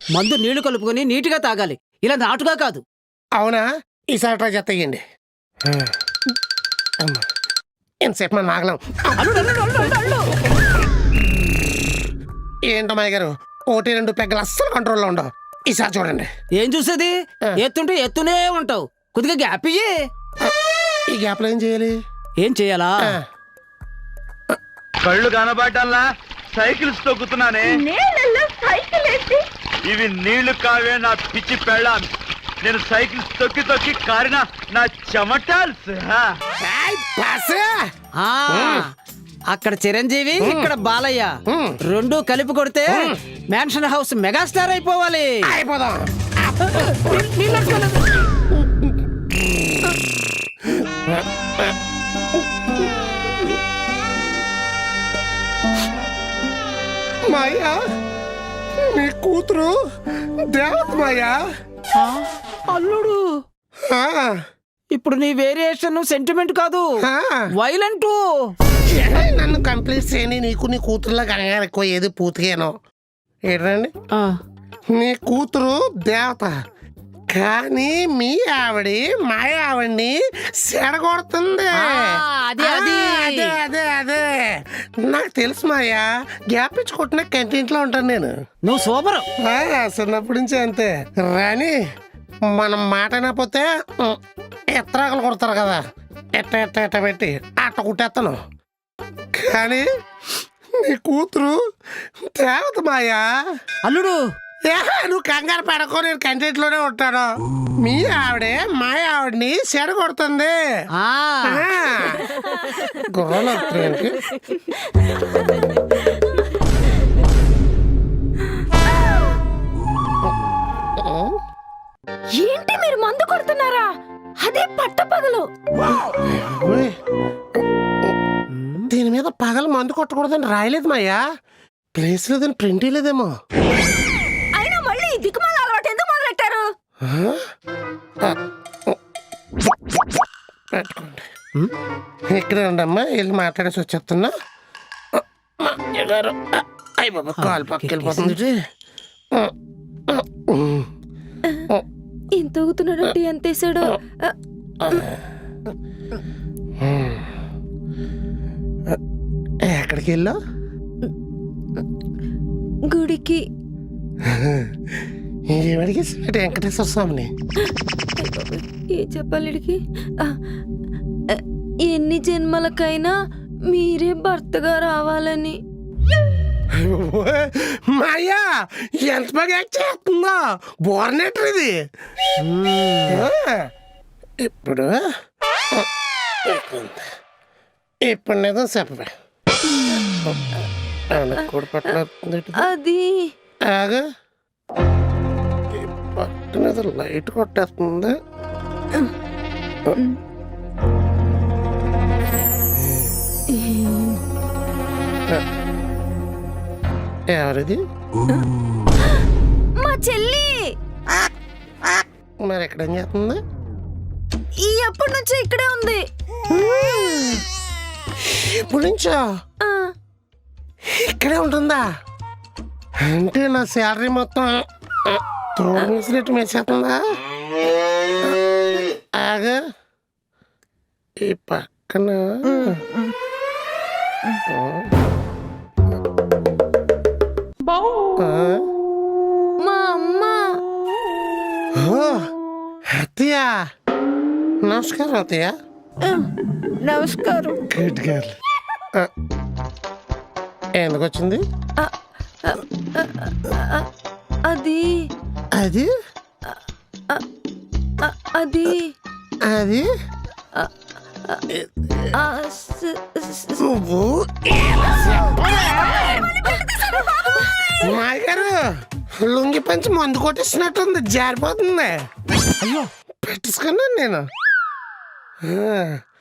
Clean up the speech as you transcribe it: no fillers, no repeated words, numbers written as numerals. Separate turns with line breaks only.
మందు నీళ్లు కలుపుకొని నీటిగా తాగాలి, ఇలా నాటుగా కాదు.
అవునా? ఈసారి ట్రై చేస్తాయండి. ఎంతసేపు మన నాగలం. ఏంటో మాయ గారు, 1-2 పెగ్గలు అస్సలు కంట్రోల్లో ఉండవు. ఈసారి చూడండి.
ఏం చూసేది? ఎత్తుంటే ఎత్తునే ఉంటావు, కొద్దిగా గ్యాప్ ఇయ్యి.
ఈ గ్యాప్లో ఏం చేయాలి?
ఏం చేయాలా?
కళ్ళు కనబడ్డల్లా సైకిల్స్ తొక్కుతున్నానే. ఇవి నీళ్లు కావే నా పిచ్చి పెళ్ళాం. నేను సైకిల్స్ తొక్కి తొక్కి కారిన నా చెమటాల్స్.
అక్కడ చిరంజీవి, ఇక్కడ బాలయ్య, రెండు కలిపి కొడితే మ్యాన్షన్ హౌస్ మెగాస్టార్ అయిపోవాలి.
అయిపోదాం. మాయా, నీ కూతురు దేవత మాయా.
అల్లుడు, ఇప్పుడు నీ వేరియేషన్ సెంటిమెంట్ కాదు, వైలెంట్.
నన్ను కంప్లీట్ చేయని నీకు నీ కూతురులో కంగారు ఎక్కువ. ఏది పూర్తిగానో ఏంటండి, నీ కూతురు దేవత, కానీ మీ ఆవిడి మా ఆవిడ్ని సెడగొడుతుంది.
అదే అదే
అదే అదే అదే నాకు తెలుసు మాయా. గ్యాప్ ఇచ్చి కొట్టిన కంటింట్లో ఉంటాను నేను.
నువ్వు సూపర్.
చిన్నప్పటి నుంచి అంతే. రాని మనం మాట అయినపోతే ఎత్తరాకలు కొడతారు కదా, ఎట్ట ఎట్ట ఎట్ట పెట్టి అట్ట కుట్టేస్తాను. కానీ నీ కూతురు దేవత మాయా.
అల్లుడు,
నువ్వు కంగారు పడకో, నేను కంటెంట్లోనే ఉంటాను. మీ ఆవిడే మా ఆవిడని చెడగొడుతుంది. గోళకి
ఏంటి మీరు మందు కొడుతున్నారా? అదే పట్టపగలు.
దీని మీద పగలు మందు కొట్టకూడదని రాయలేదు మాయా. ప్లేస్ లేదని ప్రింట్ లేదేమో.
అయినా మళ్ళీ దిక్కుమాల అలవాటు ఎందుకు మొదలెట్టారు?
పెట్టుకోండి. ఇక్కడ ఉండమ్మా, వెళ్ళి మాట్లాడేసి వచ్చేస్తున్నా. అయ్యి బాబా, కాలు పక్కకి వెళ్ళిపోతుంది.
ఎంత ఊగుతున్నాడంటే ఎంత వేసాడో.
ఎక్కడికి వెళ్ళా?
గుడికి.
ఏమడికి? వెంకటేశ్వర స్వామిని.
ఏ చెప్పాలిడికి? ఎన్ని జన్మలకైనా మీరే భర్తగా రావాలని.
మాయా, ఎంత బాగా యాక్ట్ చేస్తుందో. బోర్నెటర్ ఇది. ఇప్పుడు ఇప్పుడు నిజం చెప్పవే. కూడా పట్టిన
అది
ఆగా, పట్టిన లైట్ కొట్టేస్తుంది. ఎవరిది?
మా చెల్లి.
మరి ఎక్కడ ఏం చేస్తుంది?
ఎప్పటి నుంచో ఇక్కడే ఉంది.
ఎప్పటి నుంచో ఇక్కడే ఉంటుందా? అంటే నా శాలరీ మొత్తం తోడు వేసినట్టు వేసేస్తుందా? ఆగా, ఈ పక్కన
మా అమ్మ.
అత్తయ్య, నమస్కారం అత్తయ్య.
నమస్కారం.
Good girl. ఎందుకు వచ్చింది?
అది
అది
అది
అది నువ్వు మా గారు లుంగి పంచి మందు కొట్టేసినట్టుంది, జారిపోతుంది. అయ్యో, పెట్టేసుకున్నాను నేను.